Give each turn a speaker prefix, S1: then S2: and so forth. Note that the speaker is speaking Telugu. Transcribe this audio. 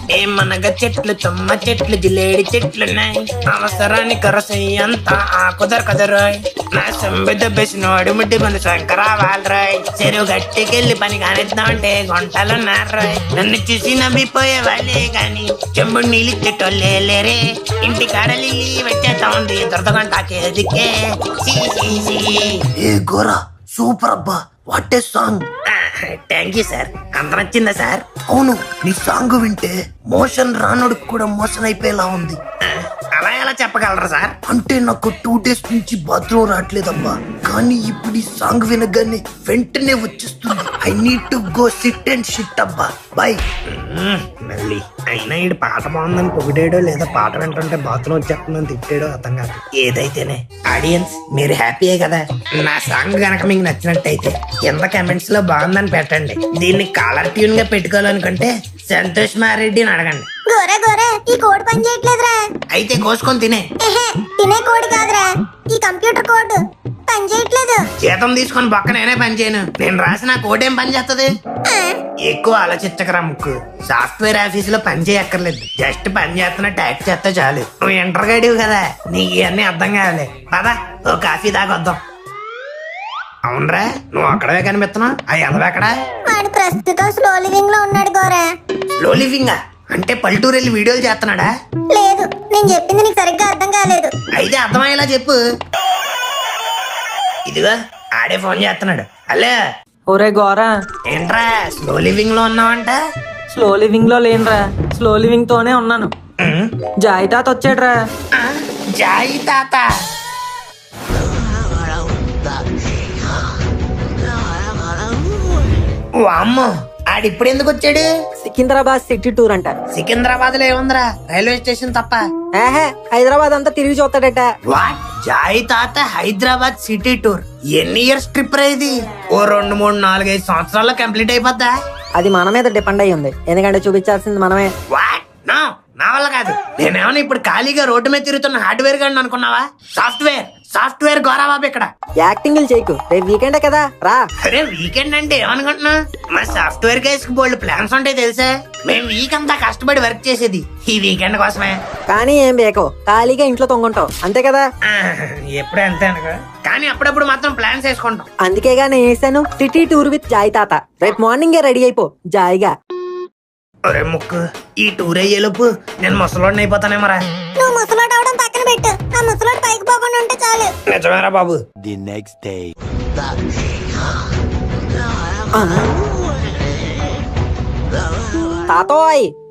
S1: ఏమనగా చెట్లు తుమ్మ చెట్లు జిలేడి చెట్లున్నాయి అవసరాన్ని కరసయ్యంత కుదరకదరాయ్ నా సంబిద బెసినోడు ముడ్డి మన శంకరా వాళ్ళరాయ్ చెరువు గట్టికెళ్ళి పని కానిద్దామంటే గుంటలున్నారాయ్ నన్ను చూసి నవ్విపోయే వాళ్ళే గాని చెంబుడు నీళ్ళు చెట్టోళ్ళే లేరే ఇంటి కాడలి వచ్చేస్తా ఉంది దొరదగంటాకేదికే
S2: ఏ గోరా సూపర్ అబ్బా what a song.
S1: Thank you sir. అంత నచ్చిందా సార్?
S2: అవును, నీ సాంగ్ వింటే మోషన్ రానుడికి కూడా మోషన్ అయిపోయేలా ఉంది.
S1: అలా ఎలా చెప్పగలరా సార్?
S2: అంటే నాకు 2 days నుంచి బాత్రూమ్ రావట్లేదబ్బా, కానీ ఇప్పుడు ఈ సాంగ్ వినగానే వెంటనే వచ్చేస్తుంది. I need to go SIT and shit అబ్బా. బాయ్.
S1: మళ్ళీ అయినా ఈ పాట బాగుందని పొగిడాడో లేదా పాట వింటుంటే బాత్రూమ్ వచ్చేస్తుందని తిట్టాడో అర్థం కాదు. ఏదైతేనే ఆడియన్స్ మీరు హ్యాపీయే కదా. నా సాంగ్ గనక మీకు నచ్చినట్టయితే కింద కమెంట్స్ లో బాగుందని పెట్టండి. దీన్ని కాలర్ ట్యూన్ గా పెట్టుకోవాలనుకుంటే సంతోష్ మారెడ్డిని అడగండి.
S3: గోరే గోరే ఈ కోడ్ పని చేయట్లేదురా.
S1: అయితే కోసుకొని తినే.
S3: తినే కోడ్ కాదురా, ఈ కంప్యూటర్ కోడ్ పని చేయట్లేదు.
S1: జీతం తీసుకొని పక్క నేనే పని చేయను. నేను రాసిన కోడ్ ఏం పని చేస్తుంది? ఎక్కువ ఆలోచించకరా ముక్కు. సాఫ్ట్వేర్ ఆఫీస్ లో పని చేయక్కర్లేదు, జస్ట్ పని చేస్తున్న టైప్ చేస్తే చాలు. నువ్వు ఇంటర్ గడివు కదా, నీకు ఇవన్నీ అర్థం కావాలి. పదా ఓ కాఫీ దాకొద్దాం. అవునరా, నువ్వు అక్కడే కనిపిస్తున్నావు. అవి ఎదవెక్కడా?
S3: వాడు ప్రస్తుతం స్లో లివింగ్ లో ఉన్నాడు గోరా.
S1: స్లో లివింగ్ అంటే పల్లెటూరు వెళ్ళి వీడియోలు చేస్తున్నాడా?
S3: లేదు, నేను చెప్పింది నీకు సరిగ్గా అర్థం కాలేదు.
S1: అయితే అర్థమయ్యేలా చెప్పు. ఇదిగో ఆడే ఫోన్ చేస్తున్నాడు. హలో.
S4: ఒరే గోరా,
S1: ఏంట్రా స్లో లివింగ్ లో ఉన్నావంట?
S4: స్లో లివింగ్ లో లేనురా, స్లో లివింగ్ తోనే ఉన్నాను. జాయి తాత వచ్చాడ్రా.
S1: జాయి తాత? వామ్మో, ఆడిప్పుడు ఎందుకు వచ్చాడు?
S4: సికింద్రాబాద్ సిటీ టూర్ అంట.
S1: సికింద్రాబాద్ లో ఏముందిరా, రైల్వే స్టేషన్ తప్ప.
S4: హైదరాబాద్ అంతా తిరిగి చూస్తాడట.
S1: వాట్? జాయి తాత హైదరాబాద్ సిటీ టూర్ ఎన్ని ఇయర్స్ ట్రిప్ రా ఇది? ఓ 2, 3, 4, 5 సంవత్సరాల్లో కంప్లీట్ అయిపోద్దా?
S4: అది మన మీద డిపెండ్ అయ్యి ఉంది, ఎందుకంటే చూపించాల్సింది మనమే.
S1: వాట్? నో, నా వల్ల కాదు. నేనేమన్నా ఇప్పుడు ఖాళీగా రోడ్డు మీద తిరుగుతున్న హార్డ్వేర్ గాని అనుకున్నావా? సాఫ్ట్వేర్ గోరాబాబు ఇక్కడ.
S4: యాక్టింగ్ చేయకు, రేపు వీకెండే కదా రా.
S1: అరే వీకెండ్ అంటే ఏమనుకుంటున్నా? మా సాఫ్ట్వేర్ గైస్ కి బోల్డ్ ప్లాన్స్ ఉంటాయి తెలుసా. మేము వీక్ అంతా కష్టపడి వర్క్ చేసేది ఈ వీకెండ్ కోసమే.
S4: కానీ ఏం బేకో, ఖాళీగా ఇంట్లో తొంగుంటావు అంతే కదా.
S1: ఎప్పుడే అంతే అనుకో, కానీ అప్పుడప్పుడు మాత్రం ప్లాన్స్ వేసుకుంటాం.
S4: అందుకేగా నేను వేసాను సిటీ టూర్ విత్ జాయి తాత. రేపు మార్నింగే రెడీ అయిపో జాయిగా.
S1: ఒరే ముక్కు, ఈ టూర్ అయ్యేలోపు నేను ముసలోడిని అయిపోతానేమరా.
S3: నువ్వు ముసలోడు అవడం పక్కన పెట్టు, ఆ ముసలోడు పైకి పోకుండా ఉంటే చాలు.
S1: నిజమేరా బాబు.
S5: The next day.
S4: తాతోయ్